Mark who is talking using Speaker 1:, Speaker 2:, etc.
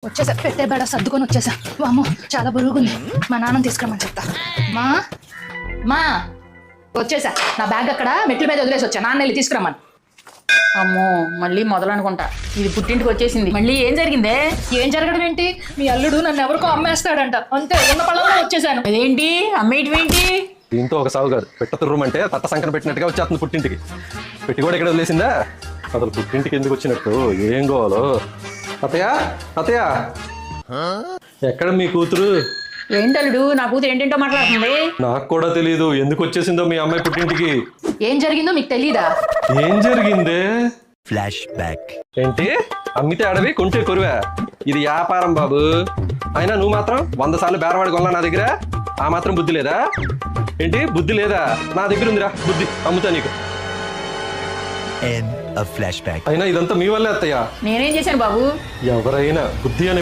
Speaker 1: వచ్చేసా, పెట్టే బేడ సర్దుకొని వచ్చేసా. వామ్మో చాలా బరువుగుంది. మా నాన్నని తీసుకురమ్మని చెప్తా. మా మా వచ్చేసా. నా బ్యాగ్ అక్కడ మెట్ల మీద వదిలేసి వచ్చా. నాన్న వెళ్ళి తీసుకురమ్మని.
Speaker 2: అమ్మో మళ్ళీ మొదలనుకుంటా. ఇది పుట్టింటికి వచ్చేసింది. మళ్ళీ ఏం జరిగిందే?
Speaker 1: ఏం జరగడం ఏంటి? మీ అల్లుడు నన్ను ఎవరికో అమ్మేస్తాడంట. అంతే, ఉన్న పళ్ళలో వచ్చేసాను.
Speaker 2: అదేంటి అమ్మేయటం ఏంటి?
Speaker 3: దీంతో ఒక సాగు కాదు, పెట్ట తుర్రమంటే తట్ట సంకన పెట్టినట్టుగా వచ్చేస్తుంది పుట్టింటికి. పెట్టి కూడా ఇక్కడ వదిలేసిందా? అసలు పుట్టింటికి ఎందుకు వచ్చినట్టు, ఏం కావాలో? అత్తయ్య అత్తయ్య, ఎక్కడ మీ కూతురు?
Speaker 2: ఏంటల్లుడు నా కూతురు ఏంటంటో మాట్లాడుతుంది.
Speaker 3: నాకు కూడా తెలీదు ఎందుకు వచ్చేసిందో మీ అమ్మాయి పుట్టింటికి.
Speaker 1: ఏం జరిగిందో మీకు తెలీదా?
Speaker 3: ఏం జరిగిందే?
Speaker 4: Flashback.
Speaker 3: ఏంటి, అమ్మితే అడవి కొంటే కొరువా? ఇది వ్యాపారం బాబు. అయినా నువ్వు మాత్రం 100 సార్లు బేరవాడి కొన్నా నా దగ్గర. ఆ మాత్రం బుద్ధి లేదా? ఏంటి బుద్ధి లేదా? నా దగ్గర ఉందిరా బుద్ధి, అమ్ముతా నీకు.
Speaker 4: End of flashback.
Speaker 3: అయినా ఇదంతా మీ వల్లే అత్తయ్య.
Speaker 2: నేనేం చేశాను బాబు?
Speaker 3: ఎవరైనా బుద్ధి అనే